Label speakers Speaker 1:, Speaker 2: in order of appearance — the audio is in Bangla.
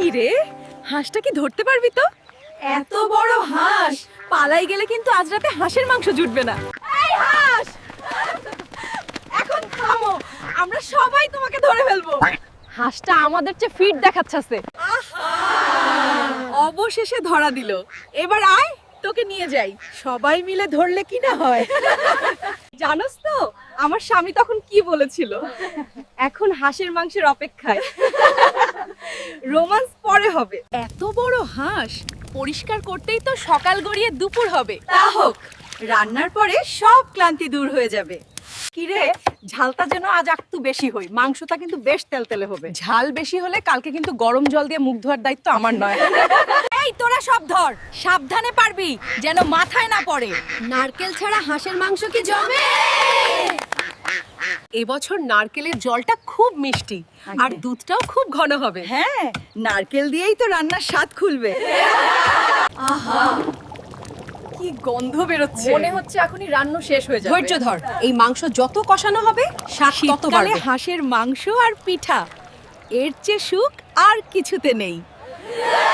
Speaker 1: কি রে, হাঁসটা কি ধরতে পারবি তো? এত বড় হাঁস, পালাই গেলে কিন্তু আজ রাতে হাঁসের মাংস জুটবে না। এই হাঁস, এখন থামো, আমরা সবাই তোমাকে ধরে ফেলবো। হাঁসটা আমাদের চেয়ে ফিট দেখাচ্ছে। অবশেষে ধরা দিল। এবার আয়, তোকে নিয়ে যাই। সবাই মিলে ধরলে কি না হয়। জানোস তো আমার স্বামী তখন কি বলেছিল? এখন হাঁসের মাংসের অপেক্ষায়। রোমান্স পরে হবে। এত বড় হাঁস পরিষ্কার করতেই তো সকাল গড়িয়ে দুপুর হবে। তা হোক, রান্নার পরে সব ক্লান্তি দূর হয়ে যাবে। কিরে, ঝালটা যেন আজ একটু বেশি হই, মাংসটা কিন্তু বেশ তেলতেলে হবে। ঝাল বেশি হলে কালকে কিন্তু গরম জল দিয়ে মুখ ধোয়ার দায়িত্ব আমার নয়। এই তোরা সব ধর, সাবধানে পারবি যেন মাথায় না পড়ে।
Speaker 2: নারকেল ছাড়া হাঁসের মাংস কি জমে?
Speaker 1: এবছর নারকেলের জলটা খুব মিষ্টি আর দুধটাও খুব ঘন হবে। হ্যাঁ, নারকেল দিয়েই তো রান্নার স্বাদ খুলবে। আহা, কি গন্ধ বেরোচ্ছে!
Speaker 2: মনে হচ্ছে এখনই রান্না শেষ হয়ে যাবে।
Speaker 1: ধৈর্য ধর, এই মাংস যত কষানো হবে স্বাদ তত বাড়বে। হাঁসের মাংস আর পিঠা, এর চেয়ে সুখ আর কিছুতে নেই।